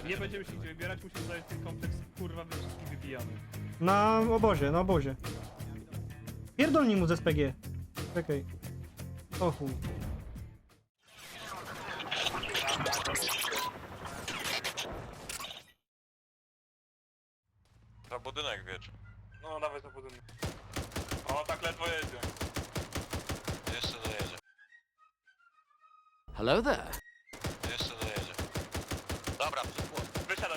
Nie będziemy się gdzie wybierać, musimy zająć ten kompleks, kurwa, my wszystkich wybijamy. Na obozie, na obozie. Pierdolnij mu z SPG. Czekaj. O chuj. Za budynek wiecz. No, dawaj to budynek. O, tak ledwo jedzie. Jeszcze dojedzie. Hello there. Jeszcze dojedzie. Dobra, przyszło. Wysiadać.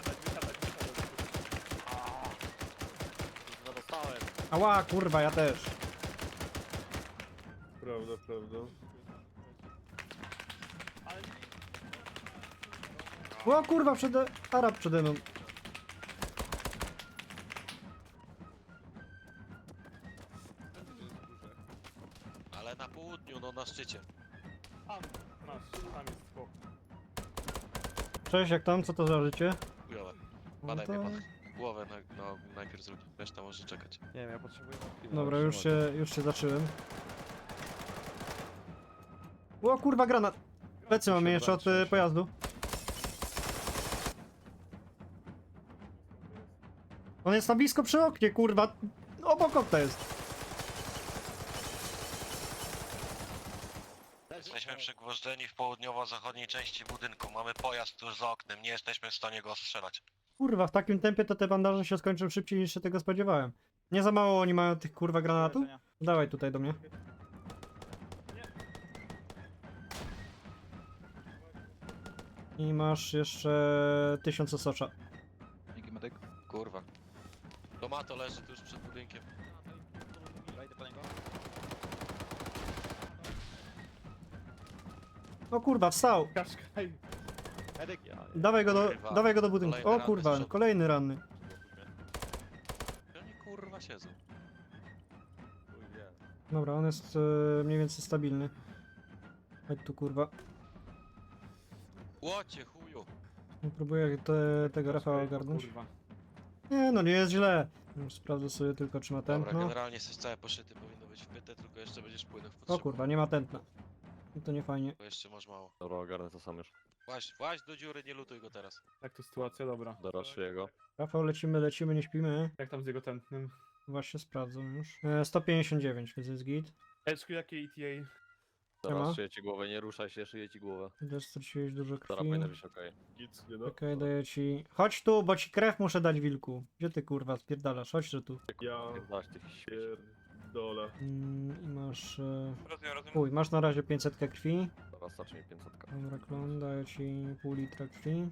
Dostałem. Ała, kurwa, ja też. Prawda. O kurwa, Arab przede mną. Ale na południu, no na szczycie. Tam jest spoko. Cześć, jak tam? Co to za życie? Chujowe. No Badaj to... mnie pan. Głowę no, najpierw zrób. Reszta może czekać. Nie wiem, ja potrzebuję... Dobra, już się zacząłem. O kurwa, granat! Plecy mamy jeszcze od pojazdu. On jest na blisko przy oknie, kurwa. Obok okna jest. Jesteśmy przygwożdżeni w południowo-zachodniej części budynku. Mamy pojazd tuż za oknem. Nie jesteśmy w stanie go ostrzelać. Kurwa, w takim tempie to te bandaże się skończą szybciej niż się tego spodziewałem. Nie za mało oni mają tych kurwa granatów? Dawaj tutaj do mnie. I masz jeszcze 1000 osocza. Dzięki, medyk. Kurwa. Tomato leży tuż przed budynkiem. Wejdę po niego. O kurwa, wstał! Kaszkaj. Medyk! Kurwa. Dawaj go do budynku. Kolejny O ranny z kurwa, przodu. kolejny ranny. Gdzie oni kurwa siedzą? Dobra, on jest mniej więcej stabilny. Chodź tu kurwa. Łocie chuju. Próbuję tego Rafała ogarnąć. Kurwa. Nie no, nie jest źle. Już sprawdzę sobie tylko czy ma Dobra, tętno. generalnie jesteś cały poszyty, powinno być wpyte, tylko jeszcze będziesz płynął w O potrzebę. kurwa, nie ma tętna. I to nie fajnie. Bo jeszcze masz mało. Dobra, ogarnę to sam już. Właź do dziury, nie lutuj go teraz. Jak to sytuacja, dobra. Doraszuję jego. Rafał, lecimy, nie śpimy. Jak tam z jego tętnym? Właśnie sprawdzam już. 159, więc jest git. Eczku, jakie ETA? Siema. Szyję ci głowę, nie ruszaj się, szyję ci głowę. Też straciłeś dużo Dobra, krwi. powinno być okej. Git, nie no. Okej, daję ci... Chodź tu, bo ci krew muszę dać, wilku. Gdzie ty kurwa spierdalasz? Chodź że tu. Ja Dasz tych śmieci. pierdolę. I masz... Rozumiem. Uj, masz na razie 500 krwi. Dobra, starczy mi 500. Dobra, klon, daję ci pół litra krwi.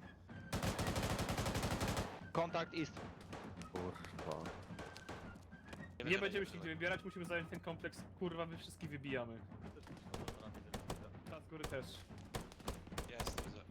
Kontakt East. Kurwa. Nie będziemy się gdzie wybierać, musimy zająć ten kompleks, kurwa, my wszystkich wybijamy. Ta z góry też. Jest, widzę.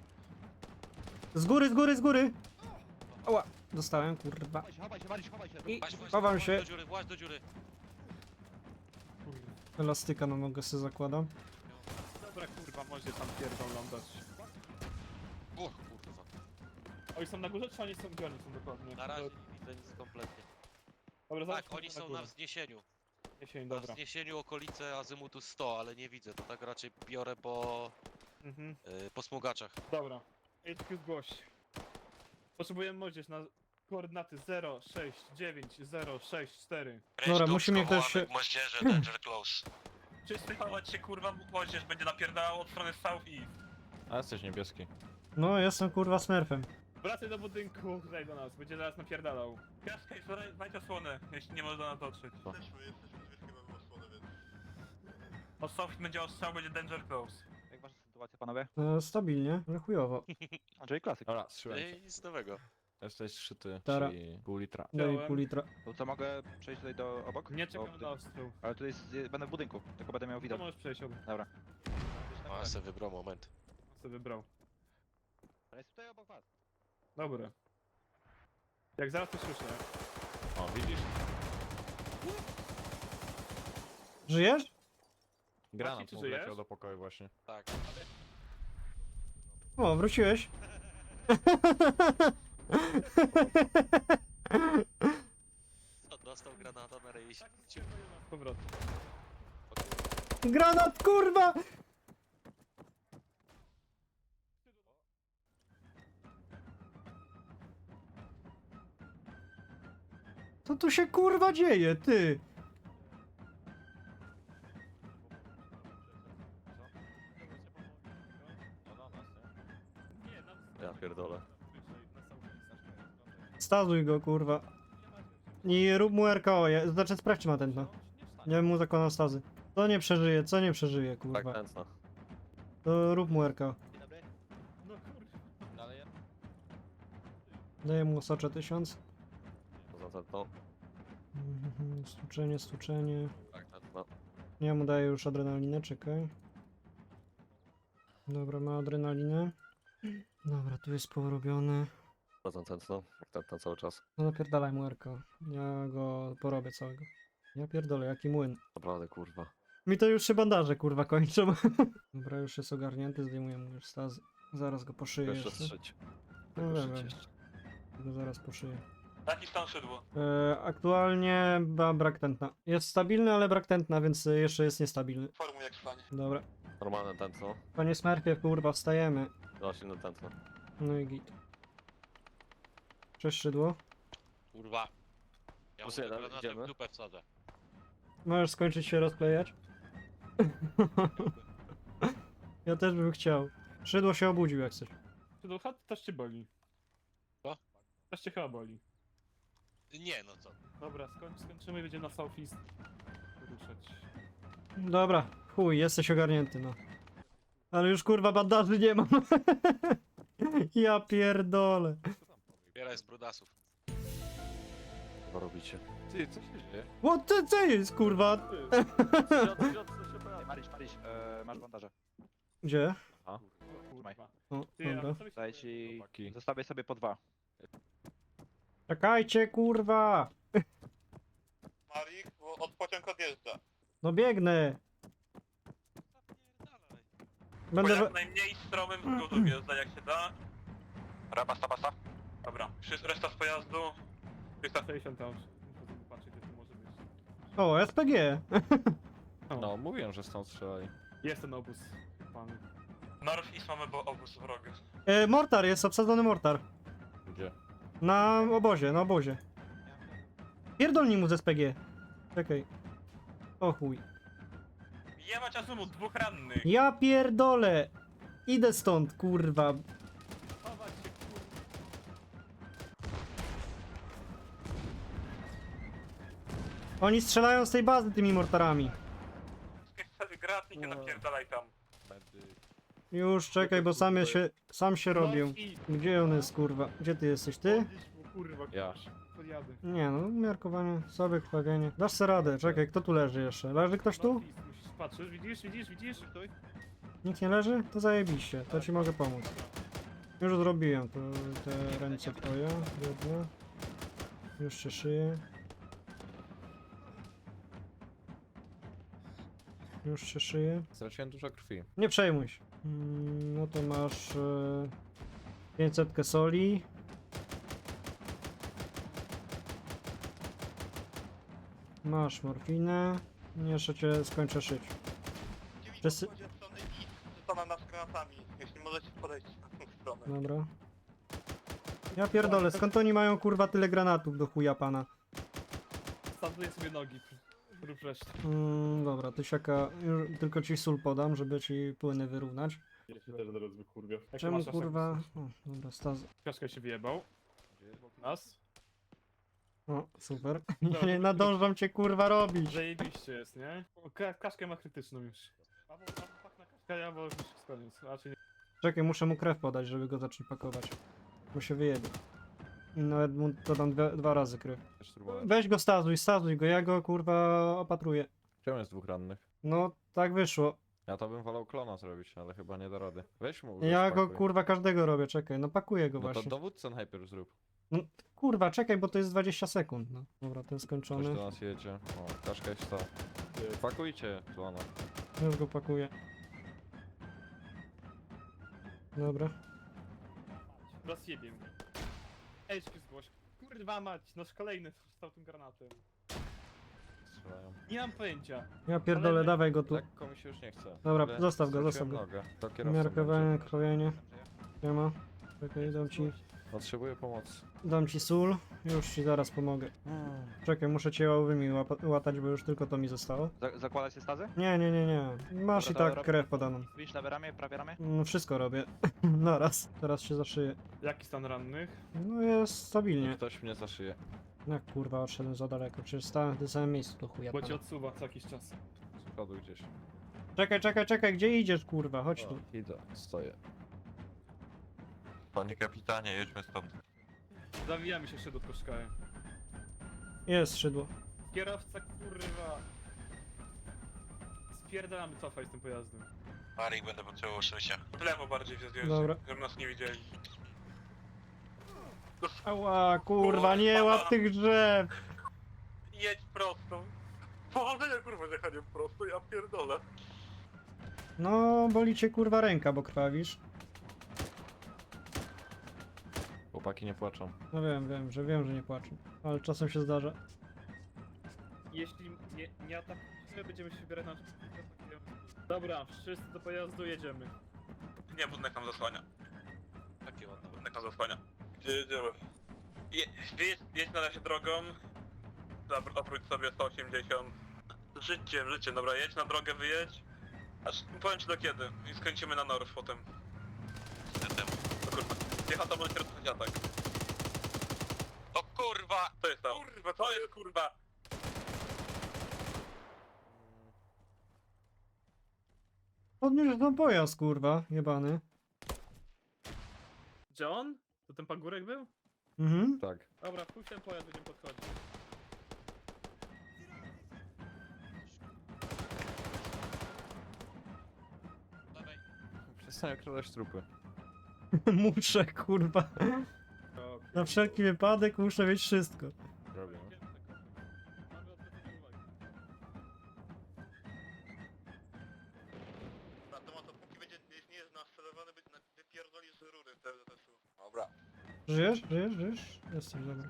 Z góry! Oła, dostałem, kurwa. Chowaj się, Mariusz, chowaj się. I Właź chowam się. do dziury, właź do dziury. Kurwa. Elastyka na nogę sobie zakładam. Dobra, kurwa, może tam pierdolą dać. O kurwa. Oni są na górze, czy oni są gdzie oni są dokładnie? Na razie nie widzę nic kompletnie. Dobra, Tak, zobaczmy oni są górę. na wzniesieniu. Jesień, Na dobra. wzniesieniu okolice azymutu 100, ale nie widzę. To tak raczej biorę po smugaczach. Dobra. HQ zgłoś. Potrzebujemy młodzież na koordynaty 069 Dobra, musimy ktoś się- Moździerze, danger close. Przyspieszować się, kurwa, młodzież będzie napierdalał od strony south east. A jesteś niebieski. No, jestem kurwa smurfem. Wracaj do budynku, tutaj do nas, będzie zaraz napierdalał. Kaszkaj, znajdź osłonę, jeśli nie może do nas dotrzeć. Od south będzie ostrzał, będzie danger close. Jak wasza sytuacja, panowie? Stabilnie, ale chujowo. Andrzej, klasyk. Dobra, strzyłem. Ej, nic nowego. Jesteś szyty, Dobra. czyli pół litra. Daj Wziąłem. pół litra. To co, mogę przejść tutaj do obok? Nie Bo czekam tutaj- na ostrzał. Ale tutaj będę w budynku, tylko będę miał To widok. możesz przejść, on Dobra. A, se wybrał moment. sobie wybrał. Ale jest tutaj obok was. Dobra. Jak zaraz to słyszę. O, widzisz? Żyjesz? Granat czy mu żyjesz? wleciał do pokoju właśnie. Tak. O, wróciłeś. Dostał granata na ryj. Z powrotem. Granat, kurwa! Co tu się kurwa dzieje, ty? Nie, nam... Ja pierdolę. Stazuj go, kurwa. I rób mu RKO, znaczy sprawdź czy ma tętno. Ja bym mu zakładał stazy. Co nie przeżyje, co nie przeżyje, Tak kurwa. tęcno. To rób mu RKO. Dzień dobry. No kurwa. Dalej Daję mu socze 1000. poza tętno. Stuczenie, stuczenie. Tak tętno. Ja mu daję już adrenalinę, czekaj. Dobra, ma adrenalinę. Dobra, tu jest porobione. Poza tętno. Jak tętno cały czas. No napierdalaj mu RKO. Ja go porobię całego. Ja pierdolę, jaki młyn. Naprawdę kurwa. Mi to już się bandaże kurwa kończą. Dobra, już jest ogarnięty, zdejmuję mu już stazy. Zaraz go poszyję Jeszcze jeszcze. strzeć. No Tylko dobra, strzeć jeszcze. go zaraz poszyję. Jaki stan szydło? Aktualnie ma brak tętna. Jest stabilny, ale brak tętna, więc jeszcze jest niestabilny. Formuj jak stanie. Dobra. Normalne tętno. Panie Smurfie, kurwa, wstajemy. Właśnie na tętno. No i git. Cześć szydło. Kurwa. Ja Plus mu jeden, granatem idziemy. w dupę wsadzę. Możesz skończyć się rozklejać? Ja też bym chciał. Szydło się obudził jak coś. Czy do chat też cię boli? Co? Też cię chyba boli. Nie no co. Dobra, skończymy i będziemy na Southeast ruszać. Dobra, chuj, jesteś ogarnięty, no. Ale już kurwa bandaży nie mam. Ja pierdolę. Bieraj z brudasów. Co robicie? Ty, co się dzieje? What the co jest kurwa? Maryś, masz bandaże. Gdzie? O Trzymaj. kurwa. O, Ty, a dobra. sobie Daję ci... Chłopaki. Zostawię sobie po 2. Czekajcie kurwa! Marik, bo od pociąg odjeżdża. No biegnę! Będę... Jak najmniej stromym skrótem wjeżdża jak się da. Rabasta, basta. Dobra. Reszta z pojazdu. 60 tam. Muszę zobaczyć, gdzie to może być. O, SPG! No, mówiłem, że stąd strzelali. Jest ten obóz. Pan. North East mamy obóz wroga. Mortar jest, obsadzony mortar. Gdzie? Na obozie, na obozie. Pierdolnij mu z SPG. Czekaj. O chuj. Nie ma czasu mu, 2 rannych. Ja pierdolę! Idę stąd, kurwa. Chować się, kurwa. Oni strzelają z tej bazy tymi mortarami. Gratnik, napierdalaj tam. Już czekaj, bo sam się robił. No i... Gdzie on jest, kurwa? Gdzie ty jesteś, ty? Podnieś mu, kurwa, Ja. podjadę. Nie no, miarkowanie, sobie krwawienie. Dasz sobie radę, czekaj, kto tu leży jeszcze? Leży ktoś tu? Northeast, musisz patrzeć, widzisz? Nikt nie leży? To zajebiście, to ci mogę pomóc. Już zrobiłem to, te ręce twoje, jedne. Już się szyję. Już się szyję. Straciłem dużo krwi. Nie przejmuj się. No to masz 500 soli. Masz morfinę. Jeszcze cię skończę szyć. Wszyscy- Zostanę nas granatami, jeśli możecie podejść na tę stronę. Dobra. Ja pierdolę, skąd oni mają kurwa tyle granatów do chuja pana? Standuję sobie nogi. Rób resztę. Dobra, tysiaka, już tylko ci sól podam, żeby ci płyny wyrównać. Ja się też zaraz wykurwię. Czemu kurwa... O, dobra, staz... Kaszka się wyjebał. Nas? O, super. Nie nadążam cię kurwa robić. Zajebiście jest, nie? O, kaszkę ma krytyczną już. Paweł, pak na kaszkę, ja bo już jest koniec. Raczej nie. Czekaj, muszę mu krew podać, żeby go zacząć pakować. Bo się wyjebie. I nawet mu dodam dwa razy krew. Też próbowałem. Weź go stazuj go, ja go kurwa opatruję. Czemu jest 2 rannych? No, tak wyszło. Ja to bym wolał klona zrobić, ale chyba nie da rady. Weź mu. Ja go spakuj. kurwa każdego robię, czekaj, no pakuję go No to właśnie. dowódcę najpierw zrób. Kurwa, czekaj, bo to jest 20 sekund. No. Dobra, ten Ktoś skończony. do nas jedzie. O, kaszka jest to. Pakujcie klona. Już go pakuję. Dobra. Rozjebie mnie. Ejczki zgłoś. Kurwa mać, nasz kolejny stał tym granatem. Strzelają. Nie mam pojęcia. Ja pierdolę, Ale- dawaj go tu. Lekko mi się już nie chce. Dobra, Ale zostaw go, straciłem zostaw go. nogę. To kierowca Miarkowanie, będzie. krwawienie. Nie ma. Czekaj, dam ci Potrzebuję pomocy. Dam ci sól, już ci zaraz pomogę. Czekaj, muszę cię ławymi łatać, bo już tylko to mi zostało. Zakładać się stazy? Nie, nie, nie, nie. Masz Dobra, i to tak krew podaną. Widzisz lewe ramię, prawie ramię? No wszystko robię. Naraz. Teraz się zaszyję. Jaki stan rannych? No jest stabilnie. Ktoś mnie zaszyje. Jak kurwa, odszedłem za daleko. Przecież stałem w tym samym miejscu do chuja. Bo cię pana. odsuwa co jakiś czas. Z przodu gdzieś. Czekaj, gdzie idziesz kurwa? Chodź tu. O, idę, stoję. Panie kapitanie, jedźmy stąd. Zawijamy się jeszcze do koszkaja. Jest szydło. Kierowca kurwa. Spierdalamy, cofaj z tym pojazdem. Marik, będę potrzebował szycia. W lewo bardziej się zdjąć, Dobra. żeby nas nie widzieli. Ała, kurwa, nie łap tych drzew! Jedź prosto. Powodzenia kurwa z jechaniem prosto, ja pierdolę. No, boli cię kurwa ręka, bo krwawisz. Chłopaki nie płaczą. No wiem, że nie płaczę. Ale czasem się zdarza. Jeśli nie atakujemy, będziemy się wybierać na... Dobra, wszyscy do pojazdu jedziemy. Nie, budynek nam zasłania. Takie ładne. Budynek nam zasłania. Gdzie jedziemy? Jedź na razie drogą. Oprócz sobie 180. Życiem, dobra, jedź na drogę, wyjedź. Aż powiem ci do kiedy. I skręcimy na Norw potem. O kurwa. Piechota może się rozpocząć atak. O kurwa! Co jest tam? Kurwa, co jest kurwa? Podniósł ten pojazd, kurwa, jebany. John? To ten pagórek był? Mhm. Tak. Dobra, pójdź ten pojazd, będziemy podchodzić. Przestań okradać trupy. Muszę, kurwa. Na wszelki wypadek muszę mieć wszystko. Robię. Mamy odwrócenie uwagi. Na temat dopóki będzie nie jest nastrzelowany, wypierdoli z rury w TZS-u. Dobra. Żyjesz? Jesteś, dobra.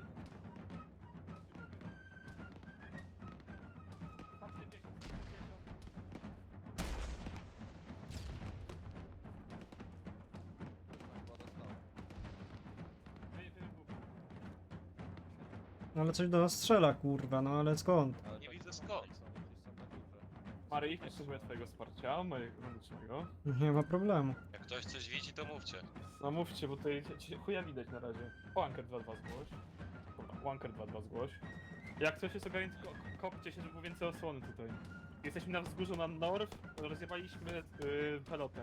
Ale coś do nas strzela, kurwa, no ale skąd? Nie widzę skąd. Mary, potrzebuję twojego wsparcia, mojego medycznego. Nie ma problemu. Jak ktoś coś widzi, to mówcie. No mówcie, bo tutaj chuja widać na razie. Wanker 2-2 zgłoś. Dobra, Wanker 2-2 zgłoś. Jak coś jest ogarnięte, kopcie się, żeby było więcej osłony tutaj. Jesteśmy na wzgórzu na North, rozjebaliśmy pelotę.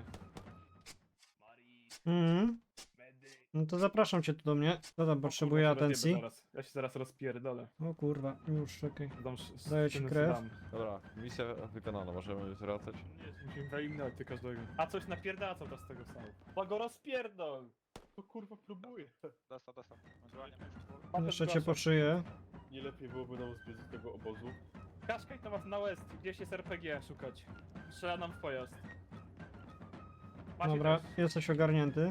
Mhm. No to zapraszam cię tu do mnie. Co tam potrzebuje atencji? Ja się zaraz rozpierdolę. O kurwa, już czekaj. Dam Daję ci krew. Dobra, misja wykonana, możemy wracać. Nie, musimy wyeliminować ty każdego. A coś napierdala cały czas z tego stału. To go rozpierdol! To kurwa próbuje. Dostał. Jeszcze cię poszyję. Nie lepiej byłoby nam zbiec z tego obozu. Kaszkaj to was na west, gdzieś jest RPG szukać. Strzela nam w pojazd. Macie Dobra, też. jesteś ogarnięty.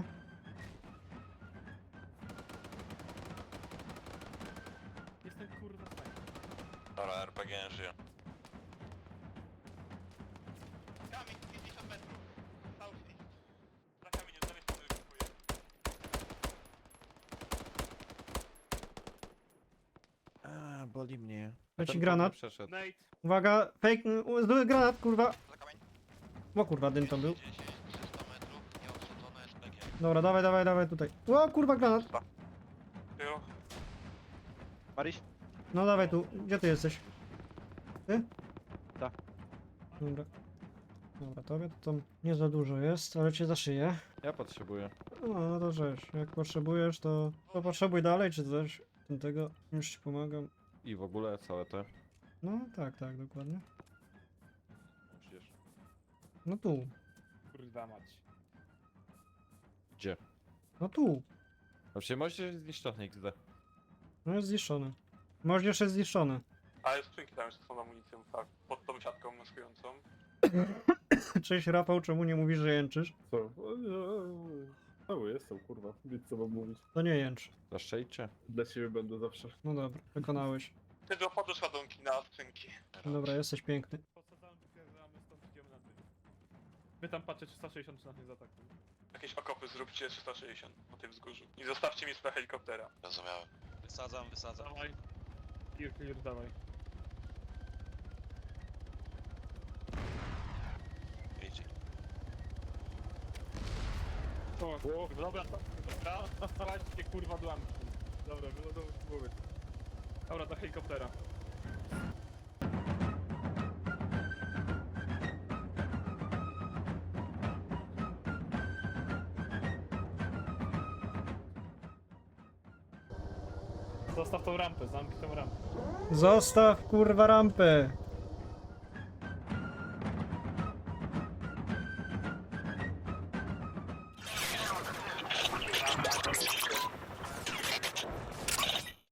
Jestem kurwa snajper. Dobra, RPG nie żyje. Kamień 50 metrów. South east. Za kamieniem, z lewej strony kupuję. Boli mnie. Leci granat. Przeszedł. Nate, Uwaga, fake, zły granat, kurwa. Za kamień. O kurwa, dym to był. 10, 300 metrów, nieostrzeżone SPG. Dobra, dawaj tutaj. O kurwa, granat. Jo. Maryś? No dawaj tu, gdzie ty jesteś? Ty? Tak. Dobra. Dobra, tobie to tam nie za dużo jest, ale cię zaszyję. Ja potrzebuję. No to rzecz, jak potrzebujesz, to potrzebuj dalej, czy coś. Tego już ci pomagam. I w ogóle całe te. No tak, dokładnie. Przecież. No tu, kurwa mać. Gdzie? no tu. Właściwie możecie zniszczony XD. No jest zniszczony. Możesz jest zniszczony. Ale skrzynki tam jeszcze są amunicją, tak. Pod tą siatką maskującą. Cześć Rafał, czemu nie mówisz, że jęczysz? Co? No jestem kurwa, nic co mam mówić. To nie jęcz. Zaszczejcie. Dla ciebie będę zawsze. No dobra, wykonałeś. Ty do podróż ładunki na skrzynki. Dobra, jesteś piękny. Posadzamy, wypierdalamy stąd, idziemy na dół. Wy tam patrzcie 360 czy nas nie zaatakują. Jakieś okopy zróbcie 360 na tym wzgórzu. I zostawcie miejsce dla helikoptera. Rozumiałem. Wysadzam. Dawaj. Clear, dawaj. Idź. O, dobra, patrzcie kurwa dłamki. Dobra, wylodował z głowy. Dobra, do helikoptera. Zostaw tą rampę, zamknij tą rampę. Zostaw kurwa rampę.